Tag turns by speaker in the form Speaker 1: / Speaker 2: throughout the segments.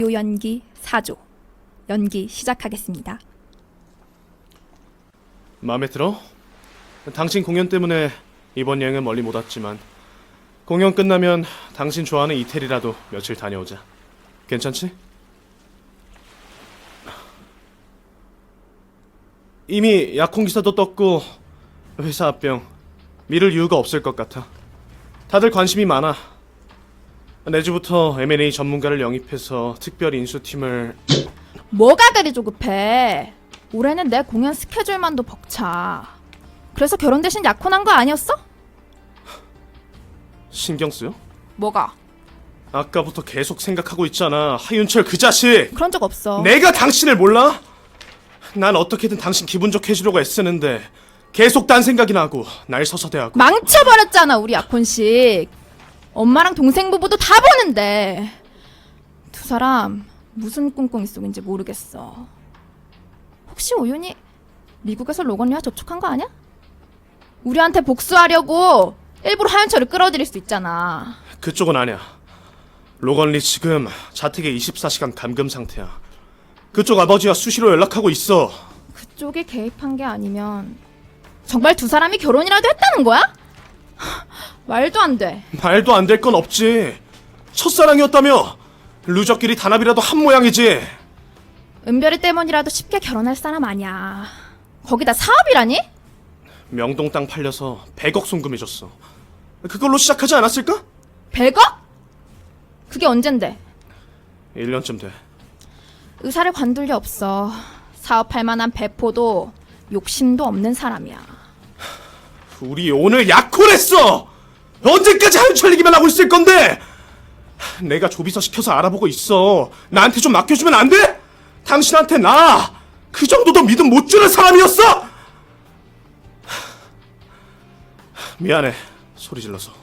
Speaker 1: 요 연기 4조 연기 시작하겠습니다.
Speaker 2: 마음에 들어? 당신 공연 때문에 이번 여행은 멀리 못 왔지만 공연 끝나면 당신 좋아하는 이태리라도 며칠 다녀오자. 괜찮지? 이미 약혼 기사도 떴고 회사 합병 미룰 이유가 없을 것 같아. 다들 관심이 많아. 내주부터 M&A 전문가를 영입해서 특별 인수팀을...
Speaker 1: 뭐가 그리 조급해? 올해는 내 공연 스케줄만도 벅차. 그래서 결혼 대신 약혼한 거 아니었어?
Speaker 2: 신경 쓰여?
Speaker 1: 뭐가?
Speaker 2: 아까부터 계속 생각하고 있잖아. 하윤철 그 자식!
Speaker 1: 그런 적 없어.
Speaker 2: 내가 당신을 몰라? 난 어떻게든 당신 기분 좋게 해주려고 애쓰는데 계속 딴 생각이 나고 날 서서대하고.
Speaker 1: 망쳐버렸잖아 우리 약혼식. 엄마랑 동생 부부도 다 보는데 두 사람 무슨 꿍꿍이 속인지 모르겠어. 혹시 오윤이 미국에서 로건리와 접촉한 거 아니야? 우리한테 복수하려고 일부러 하윤철을 끌어들일 수 있잖아.
Speaker 2: 그쪽은 아니야. 로건리 지금 자택에 24시간 감금 상태야. 그쪽 아버지와 수시로 연락하고 있어.
Speaker 1: 그쪽이 개입한 게 아니면 정말 두 사람이 결혼이라도 했다는 거야? 말도 안 돼.
Speaker 2: 말도 안 될 건 없지. 첫사랑이었다며. 루저끼리 단합이라도 한 모양이지.
Speaker 1: 은별이 때문이라도 쉽게 결혼할 사람 아니야. 거기다 사업이라니?
Speaker 2: 명동 땅 팔려서 100억 송금해줬어. 그걸로 시작하지 않았을까?
Speaker 1: 100억? 그게 언젠데?
Speaker 2: 1년쯤 돼.
Speaker 1: 의사를 관둘 리 없어. 사업할 만한 배포도 욕심도 없는 사람이야.
Speaker 2: 우리 오늘 약혼했어! 언제까지 하윤철 얘기만 하고 있을 건데! 내가 조비서 시켜서 알아보고 있어. 나한테 좀 맡겨주면 안 돼? 당신한테 나 그 정도도 믿음 못 주는 사람이었어? 미안해. 소리 질러서.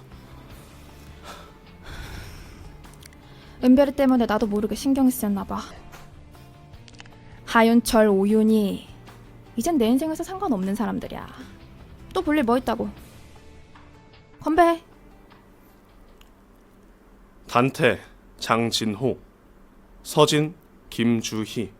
Speaker 1: 은별이 때문에 나도 모르게 신경이 쓰였나 봐. 하윤철, 오윤이 이젠 내 인생에서 상관없는 사람들이야. 또 볼 일 뭐 있다고. 건배해.
Speaker 2: 단태, 장진호, 서진, 김주희,